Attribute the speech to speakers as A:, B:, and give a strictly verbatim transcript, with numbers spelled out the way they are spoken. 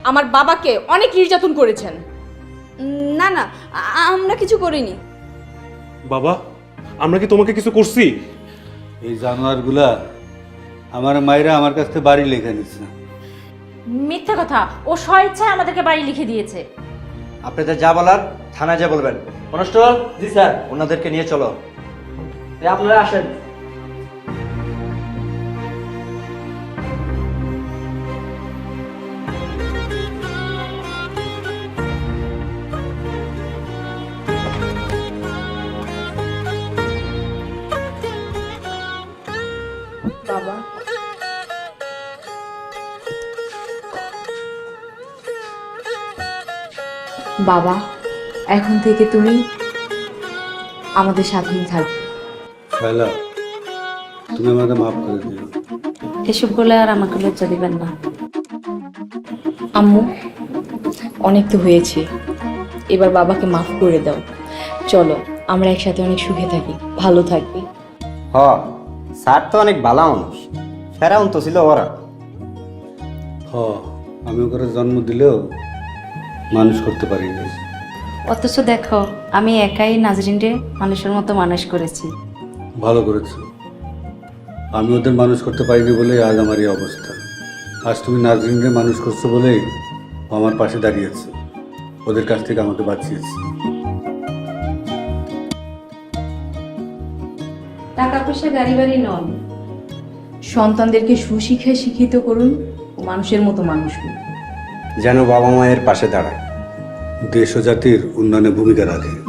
A: আমার বাবাকে অনেক নির্যাতন করেছেন।
B: না না, আমরা কিছু করিনি।
C: বাবা, আমরা কি তোমাকে কিছু করছি?
D: এই জানোয়ারগুলা আমার মায়েরা আমার কাছ থেকে বাড়ি লেখা নিচ্ছে।
E: মিথ্যা কথা, ও স্বেচ্ছায় আমাদেরকে বাড়ি লিখে দিয়েছে।
F: আপনাদের যা বলার থানায় যা বলবেন। কনস্টেবল, জি স্যার, ওনাদেরকে নিয়ে চলো। আপনারা আসেন।
A: বাবা, বাবা, এখন থেকে তুমি আমাদের সাথেই থাকবে।
D: শায়লা, তুমি আমাকে মাফ করে দিও।
E: এসব বলে আর আমাকে লজ্জা দিবেন না।
A: আম্মু, অনেক তো হয়েছে, এবার বাবাকে মাফ করে দাও। চলো আমরা একসাথে অনেক সুখে থাকি, ভালো থাকবি।
F: হ, স্যার তো অনেক ভালো মানুষ। ফেরাউন তো ছিল ওরা।
D: হ, আমি ওকে জন্ম দিলেও মানুষ করতে পারিনি।
E: অথচ দেখো, আমি একাই নাজরিনরে মানুষের মতো মানুষ করেছি।
D: ভালো করেছো। আমি ওদের মানুষ করতে পারিনি বলেই আজ আমার এই অবস্থা। আজ তুমি নাজরিনকে মানুষ করছো বলেই ও আমার পাশে দাঁড়িয়েছে, ওদের কাছ থেকে আমাকে বাঁচিয়েছে।
E: টাকা পয়সা গাড়ি বাড়ি নন,
A: সন্তানদেরকে সুশিক্ষায় শিক্ষিত করুন ও মানুষের মতো মানুষ করুন।
F: যেন বাবা মায়ের পাশে দাঁড়ায়।
D: দেশ ও জাতির উন্নয়নে ভূমিকা রাখে।